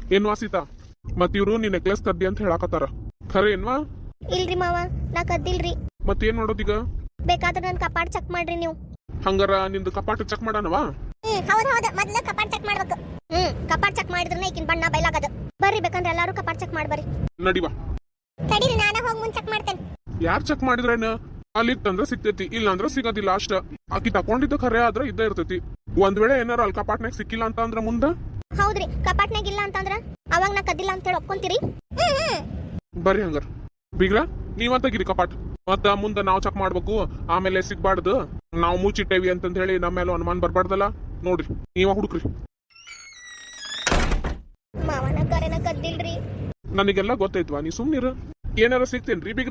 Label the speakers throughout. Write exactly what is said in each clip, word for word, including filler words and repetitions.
Speaker 1: ಏನ್ವಾ ಸೀತಾ, ಮತ್ ಇವ್ರು ನೀ ನೆಕ್ಲೆಸ್ ಕದ್ದಿ ಅಂತ ಹೇಳಾಕತ್ತಾರ, ಖರೆ ಏನ್ವಾ?
Speaker 2: ಇಲ್ರಿ ಮಾವ, ನಾ ಕದ್ದಿಲ್ರಿ.
Speaker 1: ಮತ್ತೇನ್ ಮಾಡೋದೀಗ?
Speaker 2: ಬೇಕಾದ್ರೆ ನನ್ ಕಪಾಟ್ ಚೆಕ್ ಮಾಡ್ರಿ ನೀವು.
Speaker 1: ಹಂಗಾರ ನಿಂದು ಕಪಾಟ ಚೆಕ್ ಮಾಡಣವಾ?
Speaker 2: ಹ್ಮ್ ಹೌದ್ ಹೌದು, ಮೊದ್ಲು ಕಪಾಟ್ ಚೆಕ್ ಮಾಡ್ಬೇಕು. ಹ್ಮ್ ಕಪಾಟ್ ಚೆಕ್ ಮಾಡಿದ್ರೆ ಈಕಿನ ಬಣ್ಣ ಬಯಲಾಗದ. ಬರ್ರಿ ಬೇಕಂದ್ರೆ ಎಲ್ಲಾರು ಕಪಾಟ್ ಚೆಕ್ ಮಾಡ್ಬರ್ರಿ.
Speaker 1: ನಡಿವಾ.
Speaker 2: ತಡೀರಿ, ನಾನ ಹೋಗಿ ಮುಂದ್ ಚೆಕ್ ಮಾಡ್ತೇನೆ.
Speaker 1: ಯಾರ್ ಚೆಕ್ ಮಾಡಿದ್ರೇನ? ಅಲ್ಲಿ ತಂದ್ರ ಸಿಗ್ತೈತಿ, ಇಲ್ಲ ಅಂದ್ರ ಸಿಗೋದಿಲ್ಲ ಅಷ್ಟ. ಆಕಿ ತಕೊಂಡಿದ್ದ ಖರೆ ಆದ್ರ ಇದ್ದ ಇರ್ತೈತಿ. ಒಂದ್ ವೇಳೆ ಏನಾರ ಅಲ್ಲಿ ಕಪಾಟ್ನಾಗ ಸಿಕ್ಕಿಲ್ಲ ಅಂತ ಅಂದ್ರ ಮುಂದ?
Speaker 2: ಹೌದ್ರಿ, ಕಪಾಟ್ನಾಗ ಇಲ್ಲ ಅಂತಂದ್ರ ಅವಾಗ ನಾ ಕದ್ದಿಲ್ಲ ಅಂತ ಹೇಳಿ ಒಪ್ಕೊಂತೀರಿ?
Speaker 1: ಬರ್ರಿ ಹಂಗಾರ. ಬೀಗ್ರ ನೀವ ತೆಗಿರಿ ಕಪಾಟ್, ಮತ್ತ ಮುಂದ ನಾವ್ ಚೆಕ್ ಮಾಡ್ಬೇಕು. ಆಮೇಲೆ ಸಿಗ್ಬಾರ್ದು, ನಾವ್ ಮುಚ್ಚಿಟ್ಟೇವಿ ಅಂತಂದ ಹೇಳಿ ನಮ್ಮ ಮೇಲೆ ಅನುಮಾನ ಬರ್ಬಾರ್ದಲ್ಲ. ನೋಡ್ರಿ, ನೀವ ಹುಡುಕ್ರಿ.
Speaker 2: ಮಾವನ ಕರೆನ ಕದ್ದಿಲ್ರಿ.
Speaker 1: ನನಗೆಲ್ಲ ಗೊತ್ತೈತ್ವಾ, ನೀ ಸುಮ್ನಿರ. ಏನಾರ ಸಿಗ್ತೇನ್ರಿ ಬೀಗ್ರ?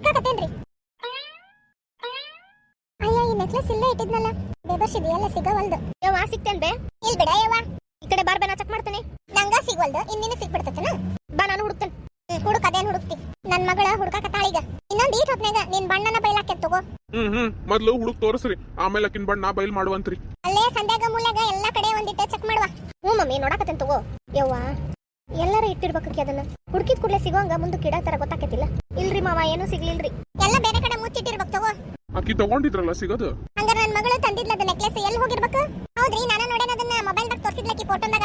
Speaker 2: ಅಯ್ಯ, ಈ ನೆಕ್ಲೆಸ್ ಇಲ್ಲೇ ಇಟ್ಟಿದ್ನಲ್ಲ, ಬೇಬರ್ಸಿದಿ ಎಲ್ಲ ಸಿಗವಲ್ದು. ಯವ್ವ ಸಿಗ್ತೇನ್ ಬೇ? ಇಲ್ ಬಿಡ ಯವ್ವ, ಈ ಕಡೆ ಬಾರ್ ಬೇ, ನಾ ಚೆಕ್ ಮಾಡ್ತೇನೆ. ನಂಗ ಸಿಗವಲ್ದು, ಇನ್ನಿನ ಸಿಗ್ಬಿಡ್ತೇನ. ಬಾ, ನಾನು ಹುಡುಕ್ತೇನೆ. ಹುಡುಕ, ಅದೇನ್ ಹುಡುಕ್ತಿ? ನನ್ ಮಗಳ ಹುಡುಕಾಕತ್ತಾಳೀಗ. ಇನ್ನೊಂದ್ ಈಟ್ ಹೊತ್ನಾಗ ನಿನ್ ಬಣ್ಣನ ಬೈಲಾಕೆ ತಗೋ.
Speaker 1: ಹ್ಮ್ ಹ್ಮ್ ಮೊದ್ಲು ಹುಡುಕ್ ತೋರಿಸ್ರಿ, ಆಮೇಲೆ ಅಕಿನ್ ಬಣ್ಣ ಬಯಲ್ ಮಾಡುವಂತ್ರಿ.
Speaker 2: ಅಲ್ಲೇ ಸಂಧ್ಯಾಗ ಮೂಲ್ಯಾಗ ಎಲ್ಲಾ ಕಡೆ ಒಂದಿಟ್ಟೆ ಚೆಕ್ ಮಾಡುವ. ಹ್ಞೂ ಮಮ್ಮಿ, ನೋಡಾಕತ್ತೇನ್ ತಗೋ. ಯವ್ವ, ಎಲ್ಲಾರ ಇಟ್ಟಿರ್ಬೇಕಿ ಅದನ್ನ. ಹುಡುಕಿದ ಕೂಡಲೇ ಸಿಗೋಂಗ ಮುಂದಕ್ಕೆ ಇಡೋ ತರ ಗೊತ್ತಾಕತಿಲ್ಲ. ಇಲ್ರಿ ಮಾವ, ಏನೂ ಸಿಗ್ಲಿಲ್ರಿ. ಎಲ್ಲ ಬೇರೆ ಕಡೆ ಮುಚ್ಚಿಟ್ಟಿರ್ಬೇಕು ತಗೋ.
Speaker 1: ಅಕ್ಕಿ ತಗೊಂಡಿದ್ರಲ್ಲ ಸಿಗೋದು.
Speaker 2: ಹಂಗಾರ ನನ್ ಮಗಳು ತಂದಿದ್ಲದ ನೆಕ್ಲೆಸ್ ಎಲ್ಲಿ ಹೋಗಿರ್ಬೇಕು? ಹೌದ್ರಿ, ನಾನು ನೋಡೇನ ಅದನ್ನ ಮೊಬೈಲ್ದಾಗ ತೋರಿಸಿದ್ಲಕ್ಕಿ ಫೋಟೋದಾಗ.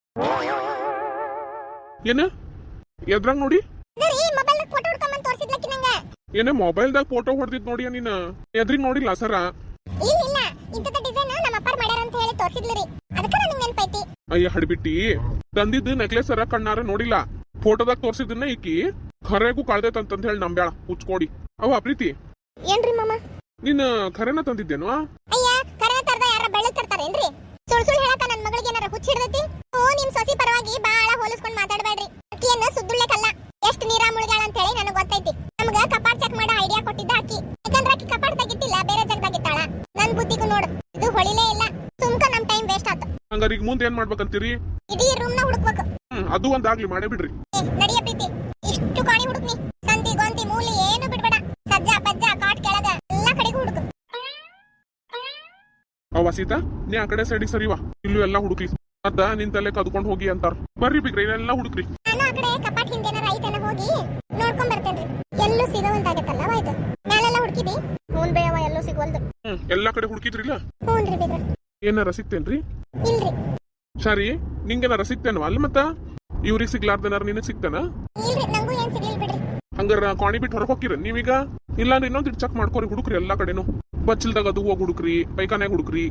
Speaker 1: ಏನ ಎದ್ರಾಗ ನೋಡಿ?
Speaker 2: ಅದರಿ ಮೊಬೈಲ್ದಾಗ ಫೋಟೋ ಹುಡ್ಕೊಂಡ್ ತೋರಿಸಿದ್ಲಕ್ಕಿ ನಂಗ.
Speaker 1: ಏನೇ ಮೊಬೈಲ್ದಾಗ ಫೋಟೋ ಹೊಡೆದಿದ್ ನೋಡಿಯ ನೀನ? ಎದ್ರಿಗ್ ನೋಡಿಲ್ಲ ಸರ?
Speaker 2: ಇಲ್ಲ ಇಲ್ಲ, ಇಂತದ ಡಿಸೈನ್ ನಮ್ಮ ಅಪ್ಪಾರ ಮಾಡ್ಯಾರ ಅಂತ ಹೇಳಿ ತೋರಿಸಿದ್ಲರಿ, ಅದಕ್ಕ ನನಗೆ ನೆನಪೈತಿ.
Speaker 1: ಅಯ್ಯ ಹಡ್ಬಿಟ್ಟಿ, ತಂದಿದ್ದು ನೆಕ್ಲೆಸ್ ಸರ ಕಣ್ಣಾರ ನೋಡಿಲ್ಲ, ಫೋಟೋದಾಗ ತೋರಿಸಿದ್ದನ್ನ ಈಕಿ ಖರೆಗೂ ಕಳ್ದೈತಂತ ಹೇಳಿ ನಂಬ್ಯಾಳ ಹುಚ್ಕೊಡಿ. ಅವ ಪ್ರೀತಿ,
Speaker 2: ಏನ್ರಿ ಮಾಮ?
Speaker 1: ನೀನ್ ಖರೇನ ತಂದಿದ್ದೇನು?
Speaker 2: ಅಯ್ಯ, ಖರೆ ತರ್ದ ಯಾರ ಬೆಳ್ಳಗ್ ತರ್ತಾರೇನ್ರಿ? ಸುಳ್ ಸುಳ್ ಹೇಳಕ ನನ್ ಮಗಳಿಗೆ ಏನಾರ ಹುಚ್ಚ ಹಿಡ್ದೈತಿ? ಓ, ನಿಮ್ ಸೊಸಿ ಪರವಾಗಿ ಬಾಳ ಹೋಲಿಸ್ಕೊಂಡ್ ಮಾತಾಡಬೇಡ್ರಿ. ಅಕ್ಕಿಯನ್ನ ಸುದ್ದುಳ್ಳೆ ಕಲ್ಲ, ಎಷ್ಟ್ ನೀರಾ ಮುಳುಗಾಳ ಅಂತ ಹೇಳಿ ನನಗ್ ಗೊತ್ತೈತಿ. ನಮ್ಗ ಕಪಾಟ್ ಚೆಕ್ ಮಾಡೋ ಐಡಿಯಾ ಕೊಟ್ಟಿದ್ದ ಅಕ್ಕಿ. ಯಾಕಂದ್ರ ಅಕ್ಕಿ ಕಪಾಟ್ದಾಗ ಇಟ್ಟಿಲ್ಲ, ಬೇರೆ ಜಾಗದಾಗ ಇಟ್ಟಾಳ. ನನ್ ಬುದ್ಧಿಗೂ ನೋಡು, ಇದು ಹೊಳಿಲೇ ಇಲ್ಲ. ಸುಮ್ಕ ನಮ್ ಟೈಮ್ ವೇಸ್ಟ್ ಆತ.
Speaker 1: ಹಂಗಾರ ಈಗ ಮುಂದೆ ಏನ್ ಮಾಡ್ಬೇಕಂತೀರಿ?
Speaker 2: ಇಡೀ ರೂಮ್ ನ ಹುಡುಕ್ಬೇಕು.
Speaker 1: ಹ್ಮ್ ಅದು ಒಂದಾಗ್ಲಿ, ಮಾಡೇ ಬಿಡ್ರಿ.
Speaker 2: ನಡಿಯ ಪ್ರೀತಿ, ಇಷ್ಟು ಕಾಣಿ ಹುಡುಕ್ನಿ. ಸಂದಿ ಗೊಂದಿ ಮೂಲಿ ಏನು ಬಿಡ್ಬೇಡ. ಸಜ್ಜ ಪಜ್ಜ ಕಾಟ್ ಕೆಳಗ ಎಲ್ಲಾ ಕಡೆಗೂ ಹುಡುಕು.
Speaker 1: ಅವ ಸೀತಾ, ನೀ ಆ ಕಡೆ ಸೈಡಿಗೆ ಸರಿವಾ, ಇಲ್ಲೂ ಎಲ್ಲಾ ಹುಡುಕ್ಲಿ. ಮತ್ತ ನಿನ್ ತಲೆ ಕದ್ಕೊಂಡ್ ಹೋಗಿ ಅಂತಾರ. ಬರ್ರಿ ಬಿಗ್ರಿ, ಇದೆಲ್ಲ ಹುಡುಕ್ರಿ.
Speaker 2: ನಾನು ಆ ಕಡೆ ಕಪಾಟ್ ಹಿಂದೇನಾರ ಐತನ ಹೋಗಿ ನೋಡ್ಕೊಂಡ್ ಬರ್ತೇನ್ರಿ. ಎಲ್ಲೂ ಸಿಗವಂತಾಗತ್ತಲ್ಲ ಆಯ್ತು. ಮೇಲೆಲ್ಲ ಹುಡುಕಿದಿ? ಹ್ಞೂ ಬೇಯವ, ಎಲ್ಲೂ ಸಿಗವಲ್ದು.
Speaker 1: ಹ್ಮ್ ಎಲ್ಲಾ ಕಡೆ ಹುಡುಕಿದ್ರಿಲ್ಲ?
Speaker 2: ಹ್ಞೂನ್ರಿ ಬಿಗ್ರ.
Speaker 1: ಏನಾರ ಸಿಗ್ತೇನ್ರಿ?
Speaker 2: ಇಲ್ರಿ.
Speaker 1: ಸರಿ, ನಿಂಗೇನಾರ ಸಿಗ್ತೇನವ? ಅಲ್ಲ ಮತ್ತ ಇವ್ರಿಗೆ ಸಿಗ್ಲಾರ್ದೇನಾರ ನಿನಗ್ ಸಿಗ್ತಾನ?
Speaker 2: ಇಲ್ರಿ, ನಂಗೂ ಏನ್ ಸಿಗ್ಲಿಲ್ಲ ಬಿಡ್ರಿ.
Speaker 1: ಹಂಗಾರ ಕಾಣಿ ಬಿಟ್ಟು ಹೊರಗೆ ಹೋಗಿರ ನೀವೀಗ? ಇಲ್ಲಾಂದ್ರೆ ಇನ್ನೊಂದ್ ಚೆಕ್ ಮಾಡ್ಕೊರಿ, ಹುಡುಕ್ರಿ ಎಲ್ಲಾ ಕಡೆನು. ಬಚ್ಚಲ್ದಾಗ ಅದು ಹೋಗಿ ಹುಡುಕ್ರಿ, ಪೈಖಾನ್ಯಾಗ ಹುಡುಕ್ರಿ.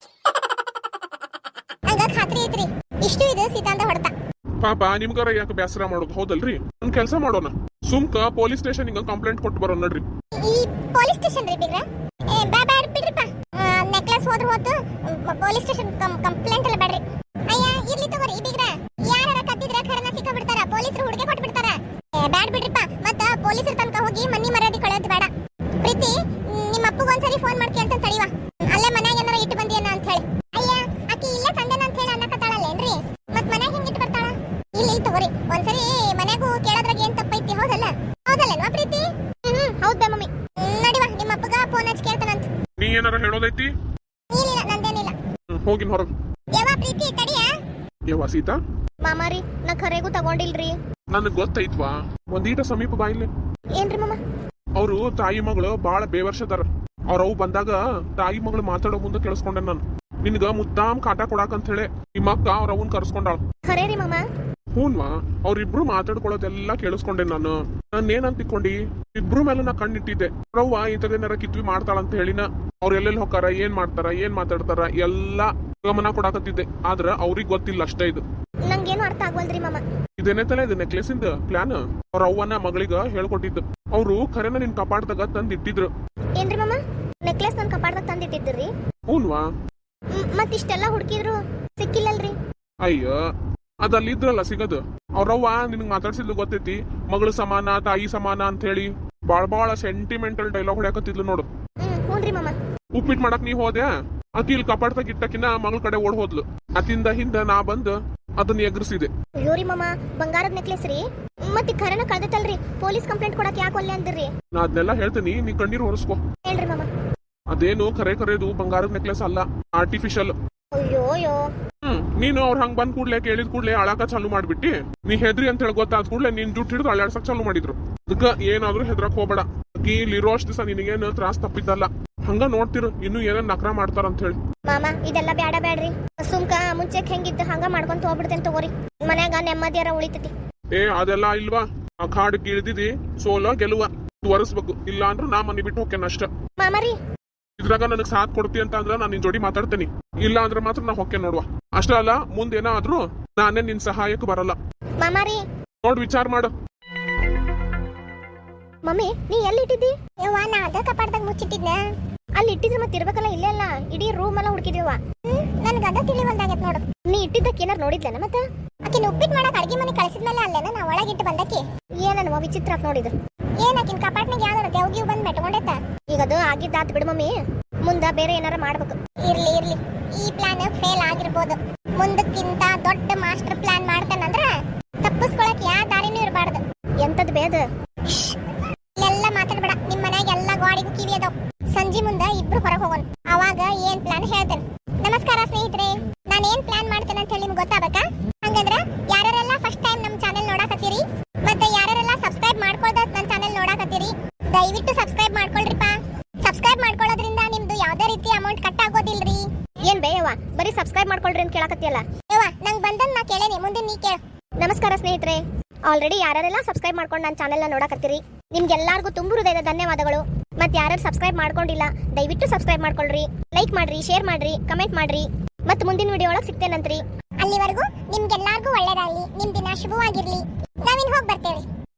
Speaker 2: ನಂಗ ಖಾತ್ರಿ ಐತ್ರಿ, ಇಷ್ಟು ಇದು ಸೀತಾಂದ ಹೊಡೆತ.
Speaker 1: ಪಾಪ ನಿಮ್ಗಾರ ಯಾಕೆ ಬೇಸರ ಮಾಡೋದು, ಹೌದಲ್ರಿ? ಒಂದ್ ಕೆಲಸ ಮಾಡೋಣ, ಸುಮ್ಕ ಪೊಲೀಸ್ ಸ್ಟೇಷನ್ ಹಿಂಗ ಕಂಪ್ಲೇಂಟ್ ಕೊಟ್ಟು ಬರೋಣ ನಡ್ರಿ.
Speaker 2: ಈ ಪೊಲೀಸ್ ಸ್ಟೇಷನ್ ರೀ ಬಿಗ್ರ? ಬಾ ಬ್ಯಾಡ ಬಿಡ್ರಿಪ್ಪ. ನೆಕ್ಲೆಸ್ ಹೋದ್ರ ಹೋತು, ಪೊಲೀಸ್ ಸ್ಟೇಷನ್ ಕಂಪ್ಲೇಂಟ್ ಎಲ್ಲ ಬೇಡ್ರಿ. ಅಯ್ಯ ಇರ್ಲಿ ತಗೋರಿ ಬಿಗ್ರ, ಯಾರ ಕದ್ದಿದ್ರ ಖರನ ಸಿಕ್ಕ ಬಿಡ್ತಾರ, ಪೊಲೀಸರು ಹುಡುಗೆ ಕೊಟ್ಟು ಬಿಡ್ತಾರ. ಬ್ಯಾಡ್ ಬಿಡ್ರಿಪ್ಪ, ಮತ್ತ ಪೊಲೀಸರ ತನಕ ಹೋಗಿ ಮನಿ ಮರ್ಯಾದೆ ಕಳೆಯೋದು ಬೇಡ. ಪ್ರೀತಿ, ನಿಮ್ಮ ಅಪ್ಪಗ ಒಂದ್ಸರಿ ಫೋನ್ ಮಾಡಿ ಕೇಳ್ತಾನೆ ತಡಿವಾ, ಅಲ್ಲೇ ಮನ್ಯಾಗ ಏನಾರ ಇಟ್ಟು ಬಂದಿಯನ ಅಂತ ಹೇಳಿ. ಅಯ್ಯ, ಆಕಿ ಇಲ್ಲೇ ತಂದೆನ ಅಂತ ಹೇಳಿ ಅನ್ನಕತ್ತಾಳಲ್ಲೇನ್ರಿ? ಮತ್ ಮನ್ಯಾಗ ಹೆಂಗ್ ಇಟ್ಟು ಬರ್ತಾಳ? ಇಲ್ಲಿ ತಗೋರಿ, ಒಂದ್ಸರಿ ಮನ್ಯಾಗೂ ಕೇಳೋದ್ರಾಗ ಏನ್ ತಪ್ಪೈತಿ, ಹೌದಲ್ಲ? ಹೌದಲ್ಲೇನ್ವಾ ಪ್ರೀತಿ? ಹ್ಮ್ ಹೌದ್ ಬೇ ಮಮ್ಮಿ. ನಡಿವಾ, ನಿಮ್ಮ ಅಪ್ಪಗ ಫೋನ್ ಹಚ್ಚಿ ಕೇಳ್ತಾನಂತ.
Speaker 1: ನೀ ಏನಾರ ಹೇಳೋದೈತಿ?
Speaker 2: ಏನಿಲ್ಲ, ನಂದೇನಿಲ್ಲ.
Speaker 1: ಹೋಗಿನ್ ಹೊರಗ್.
Speaker 2: ಯವ್ವ ಪ್ರೀತಿ, ತಡಿಯಾ.
Speaker 1: ಯವ್ವ ಸೀತಾ,
Speaker 2: ಮಾಮಾರಿ, ನಾ ಖರೆಗೂ ತಗೊಂಡಿಲ್ರಿ.
Speaker 1: ನನಗ್ ಗೊತ್ತೈತ್ವಾ, ಒಂದೀಟ ಸಮೀಪ ಬಾಯಿಲೆ.
Speaker 2: ಏನ್ರಿ ಮಾಮ?
Speaker 1: ಅವರು ತಾಯಿ ಮಗಳು ಬಾಳ ಬೇವರ್ಷದಾರ. ಅವ್ರವು ಬಂದಾಗ ತಾಯಿ ಮಗಳು ಮಾತಾಡೋ ಮುಂದೆ ಕೇಳಿಸ್ಕೊಂಡೆ ನಾನು. ನಿನ್ಗ ಮುದ್ದಾಮ್ ಕಾಟ ಕೊಡಾಕಂತ ಹೇಳಿ ನಿಮ್ಮ ಅಕ್ಕ ಅವ್ರ ಅವನ್ ಕರ್ಸ್ಕೊಂಡಾಳ.
Speaker 2: ಖರೆ ರೀ ಮಾಮ?
Speaker 1: ಹೂನ್ವಾ, ಅವ್ರಿಬ್ರು ಮಾತಾಡ್ಕೊಳ್ಳೋದೆಲ್ಲ ಕೇಳಿಸ್ಕೊಂಡೆ ನಾನು. ನಾನ್ ಏನಂತ ತಿಕ್ಕೊಂಡಿ, ಇಬ್ರು ಮೇಲೆ ನಾ ಕಣ್ಣಿಟ್ಟಿದ್ದೆ. ಅವ್ರವ್ವ ಇಂಥದೇನಾರ ಕಿತ್ವಿ ಮಾಡ್ತಾಳಂತ ಹೇಳಿನ. ಅವ್ರ ಎಲ್ಲೆಲ್ಲಿ ಹೋಗಾರ, ಏನ್ ಮಾಡ್ತಾರ, ಏನ್ ಮಾತಾಡ್ತಾರ ಎಲ್ಲಾ ಗಮನ ಕೊಡಾಕತ್ತಿದ್ದೆ. ಆದ್ರ ಅವ್ರಿಗೆ ಗೊತ್ತಿಲ್ಲ ಅಷ್ಟೇ ಇದು.
Speaker 2: ನಂಗೇನು ಅರ್ಥ ಆಗ್ವಲ್ರಿ ಮಾಮ.
Speaker 1: ಇದೇನೇ ತಲೆ ಇದು ನೆಕ್ಲೆಸ್ ಇಂದ ಪ್ಲಾನ್. ಅವ್ರ ಅವ್ವನ ಮಗಳಿಗ ಹೇಳ್ಕೊಟ್ಟಿದ್ದು. ಅವ್ರು ಖರೇನ ನಿನ್ ಕಪಾಟದಾಗ ತಂದ್ ಇಟ್ಟಿದ್ರು.
Speaker 2: ಏನ್ರಿ ಮಾಮ, ನೆಕ್ಲೆಸ್ ನನ್ ಕಪಾಟದಾಗ ತಂದಿಟ್ಟಿದ್ರಿ?
Speaker 1: ಹೂನ್ವಾ.
Speaker 2: ಮತ್ ಇಷ್ಟೆಲ್ಲಾ ಹುಡುಕಿದ್ರು ಸಿಕ್ಕಿಲ್ಲಲ್ರಿ?
Speaker 1: ಅಯ್ಯ, ಅದಲ್ಲಿ ಇದ್ರಲ್ಲ ಸಿಗದು. ಅವ್ರವ್ವ ನಿನಗ್ ಮಾತಾಡ್ಸಿದ್ಲು ಗೊತ್ತೈತಿ, ಮಗಳು ಸಮಾನ ತಾಯಿ ಸಮಾನ ಅಂತ ಹೇಳಿ ಬಾಳ್ ಬಾಳ ಸೆಂಟಿಮೆಂಟಲ್ ಡೈಲಾಗ್ ಹೊಡ್ಯಾಕತ್ತಿದ್ಲು ನೋಡು.
Speaker 2: ಹ್ಮ್ ಹೂನ್ರಿ ಮಾಮ.
Speaker 1: ಉಪ್ಪಿಟ್ಟು ಮಾಡಕ್ ನೀ ಹೋದೆ, ಆಕಿ ಇಲ್ಲಿ ಕಪಾಟದಾಗ ಇಟ್ಟಕಿನ ಮಗಳ ಕಡೆ ಓಡ್ ಹೋದ್ಲು. ಅತಿಂದ ಹಿಂದ ನಾ ಬಂದ್ ಅದನ್ನ ಎಗರಿಸಿದೆ.
Speaker 2: ಅಯ್ಯೋರಿ ಮಾಮ, ಬಂಗಾರದ ನೆಕ್ಲೆಸ್ ರೀ? ಮತ್ತೆ ಖರೇನ ಕಳ್ದೈತಲ್ರಿ? ಪೊಲೀಸ್ ಕಂಪ್ಲೇಂಟ್ ಕೊಡಕ್ ಯಾಕೆ ಒಲ್ಲೆ ಅಂದಿರಿ?
Speaker 1: ನಾ ಅದನ್ನೆಲ್ಲ ಹೇಳ್ತೀನಿ, ನೀ ಕಣ್ಣೀರ್ ಹೊರಸ್ಕೊ.
Speaker 2: ಹೇಳ್ರಿ ಮಾಮ.
Speaker 1: ಅದೇನು ಕರೆ ಕರೆದು ಬಂಗಾರದ ನೆಕ್ಲೆಸ್ ಅಲ್ಲ, ಆರ್ಟಿಫಿಷಿಯಲ್.
Speaker 2: ಅಯ್ಯೋ ಅಯ್ಯೋ
Speaker 1: ಹ್ಮ್ ನೀನು ಅವ್ರ ಹಂಗ್ ಬಂದ್ ಕೂಡ್ಲೆ ಕೇಳಿದ ಕೂಡ್ಲೆ ಅಳಾಕ ಚಾಲು ಮಾಡ್ಬಿಟ್ಟಿ. ನೀ ಹೆದ್ರಿ ಅಂತ ಹೇಳಿ ಗೊತ್ತಾದ ಕೂಡ್ಲೆ ನಿನ್ ಜುಟ್ ಹಿಡಿದು ಅಳ್ಳಾಡ್ಸಕ್ ಚಾಲು ಮಾಡಿದ್ರು. ಅದಕ್ಕ ಏನಾದ್ರೂ ಹೆದ್ರಕ್ ಹೋಗ್ಬೇಡ. ಆಕಿ ಇಲ್ಲಿರೋ ಅಷ್ಟು ದಿವಸ ನಿನಗೇನು ತ್ರಾಸ್ ತಪ್ಪಿದ್ದಲ್ಲ. ಹಂಗ ನೋಡ್ತಿರು ಇನ್ನು ಏನೇನ್ ನಕ್ರ ಮಾಡ್ತಾರ ಅಂತ ಹೇಳಿ.
Speaker 2: ಮಾಮ ಇದೆಲ್ಲ ಬ್ಯಾಡ ಬ್ಯಾಡ್ರಿ. ಸುಮ್ಕ ಮುಂಚೆಕ್ ಹೆಂಗಿತ್ತು ಹಂಗ ಮಾಡ್ಕೊಂತ ಹೋಗ್ಬಿಡ್ತೇನೆ ತಗೋರಿ. ಮನ್ಯಾಗ ನೆಮ್ಮದಿಯಾರ ಉಳಿತೈತಿ.
Speaker 1: ಏ ಅದೆಲ್ಲ ಇಲ್ವಾ, ಆ ಕಾಡ್ ಇಳಿದಿದಿ ಸೋಲ ಗೆಲುವ ಒರೆಸ್ಬೇಕು. ಇಲ್ಲ ಅಂದ್ರ ನಾ ಮನಿ ಬಿಟ್ಟು ಹೋಗ್ತೇನೆ ಅಷ್ಟ.
Speaker 2: ಮಾಮರಿ
Speaker 1: ಇದ್ರಾಗ ನನಗ್ ಸಾಥ್ ಕೊಡ್ತಿ ಅಂತ ಅಂದ್ರ ನಾನ್ ನಿನ್ ಜೋಡಿ ಮಾತಾಡ್ತೇನಿ. ಇಲ್ಲ ಅಂದ್ರ ಮಾತ್ರ ನಾ ಹೊಕ್ಕೆ ನೋಡುವ. ಅಷ್ಟ ಅಲ್ಲ ಮುಂದೇನಾದ್ರೂ ನಾನೇ ನಿನ್ ಸಹಾಯಕ್ಕೆ ಬರಲ್ಲ.
Speaker 2: ಮಾಮಾರಿ
Speaker 1: ನೋಡ್ ವಿಚಾರ ಮಾಡು.
Speaker 2: ಮಮ್ಮಿ ನೀ ಎಲ್ಲಿ ಇಟ್ಟಿದ್ದಿ? ಯವ್ವ ನಾ ಅದ ಕಪಾಟದಾಗ ಮುಚ್ಚಿಟ್ಟಿದ್ನ. ಅಲ್ಲಿ ಇಟ್ಟಿದ್ರೆ ಮತ್ತೆ ಇರ್ಬೇಕಲ್ಲ, ಇಲ್ಲೇ ಅಲ್ಲ ಇಡೀ ರೂಮ್ ಎಲ್ಲ ಹುಡುಕಿದ್ಯವ. ನನ್ಗ ಅದ ತಿಳಿವಲ್ದಾಗೈತ್ ನೋಡು. ನೀ ಇಟ್ಟಿದ್ದಕ್ಕೆ ಏನಾರು ನೋಡಿದ್ಲೇನ ಮತ್ತ? ಆಕಿನ ಉಪ್ಪಿಟ್ಟು ಮಾಡಕ್ ಅಡ್ಗೆ ಮನೆ ಕಳಿಸಿದ್ಮೇಲೆ ಅಲ್ಲೇನ ನಾ ಒಳಗಿಟ್ಟು ಬಂದಕ್ಕೆ. ಏನನ್ವ ವಿಚಿತ್ರ ಅಂತ ನೋಡಿದ್ರು. ಏನ್ ಆಕಿನ ಕಪಾಟ್ನಾಗ ಯಾವ್ದಾರ ದೇವ್ಗಿವ್ ಬಂದ್ ಮೆಟ್ಕೊಂಡೈತ. ಈಗ ಅದು ಆಗಿದ್ದಾತ್ ಬಿಡು ಮಮ್ಮಿ, ಮುಂದ ಬೇರೆ ಏನಾರ ಮಾಡ್ಬೇಕು. ಇರ್ಲಿ ಇರ್ಲಿ, ಈ ಪ್ಲಾನ್ ಫೇಲ್ ಆಗಿರ್ಬೋದು. ಮುಂದಕ್ಕಿಂತ ದೊಡ್ಡ ಮಾಸ್ಟರ್ ಪ್ಲಾನ್ ಮಾಡ್ತಾನಂದ್ರ ತಪ್ಪಿಸ್ಕೊಳಕ್ ಯಾವ ದಾರಿನೂ ಇರಬಾರ್ದು. ಎಂತದ್ ಬೇದ ಎಲ್ಲ ಮಾತಾಡ್ಬೇಡ. ನಿಮ್ ಮನ್ಯಾಗ ಎಲ್ಲಾ ಗಾಡಿಗೂ ಕಿವಿ ಅದಾವ್. ಸಂಜಿ ಮುಂದ ಇಬ್ರು ಹೊರಗೆ ಹೋಗೋಣ, ಅವಾಗ ಏನ್ ಪ್ಲಾನ್ ಹೇಳ್ತೇನೆ. ನಮಸ್ಕಾರ ಸ್ನೇಹಿತರೆ, ನಾನು ಏನ್ ಪ್ಲಾನ್ ಮಾಡ್ತೇನೆ ಅಂತ ಹೇಳಿ ನಿಮ್ಗೆ ಗೊತ್ತಾಗಬೇಕಾ? ಹಂಗಂದ್ರ ಯಾರೆಲ್ಲ ಫಸ್ಟ್ ಟೈಮ್ ನಮ್ ಚಾನೆಲ್ ನೋಡಾಕತ್ತೀರಿ ಮತ್ತೆ ಯಾರೆಲ್ಲ ಸಬ್ಸ್ಕ್ರೈಬ್ ಮಾಡ್ಕೊಳ್ದ ನನ್ನ ಚಾನೆಲ್ ನೋಡಾಕತ್ತೀರಿ, ದಯವಿಟ್ಟು ಸಬ್ಸ್ಕ್ರೈಬ್ ಮಾಡ್ಕೊಳ್ರಿಪ್ಪ. ಸಬ್ಸ್ಕ್ರೈಬ್ ಮಾಡ್ಕೊಳ್ಳೋದ್ರಿಂದ ನಿಮ್ದು ಯಾವ್ದೇ ರೀತಿ ಅಮೌಂಟ್ ಕಟ್ ಆಗೋದಿಲ್ರಿ. ಏನ್ ಬೇಯವ್ವ ಬರೀ ಸಬ್ಸ್ಕ್ರೈಬ್ ಮಾಡ್ಕೊಳ್ರಿ ಅಂತ ಕೇಳಕತ್ತಿಯಲ್ಲ. ಯವ್ವ ನಂಗ್ ಬಂದನ್ ನಾ ಕೇಳೇನಿ, ಮುಂದೆ ನೀ ಕೇಳು. ನಮಸ್ಕಾರ ಸ್ನೇಹಿತರೆ, ಆಲ್ರೆಡಿ ಯಾರೆಲ್ಲ ಸಬ್ಸ್ಕ್ರೈಬ್ ಮಾಡ್ಕೊಂಡು ನನ್ನ ಚಾನೆಲ್ನ ನೋಡಾಕತ್ತೀರಿ ನಿಮ್ಗೆಲ್ಲರಿಗೂ ತುಂಬು ಹೃದಯದ ಧನ್ಯವಾದಗಳು. ಮತ್ತೆ ಯಾರು ಸಬ್ಸ್ಕ್ರೈಬ್ ಮಾಡ್ಕೊಂಡಿಲ್ಲ ದಯವಿಟ್ಟು ಸಬ್ಸ್ಕ್ರೈಬ್ ಮಾಡ್ಕೊಳ್ರಿ, ಲೈಕ್ ಮಾಡ್ರಿ, ಶೇರ್ ಮಾಡ್ರಿ, ಕಮೆಂಟ್ ಮಾಡ್ರಿ. ಮತ್ತೆ ಮುಂದಿನ ವಿಡಿಯೋ ಒಳಗೆ ಸಿಗ್ತೇನಂತ್ರಿ. ಅಲ್ಲಿವರೆಗೂ ನಿಮ್ಗೆಲ್ಲರಿಗೂ ಒಳ್ಳೇದಾಗ್ಲಿ, ನಿಮ್ ದಿನ ಶುಭವಾಗಿರ್ಲಿ. ನಾವಿನ್ ಹೋಗಿ ಬರ್ತೇವೆ.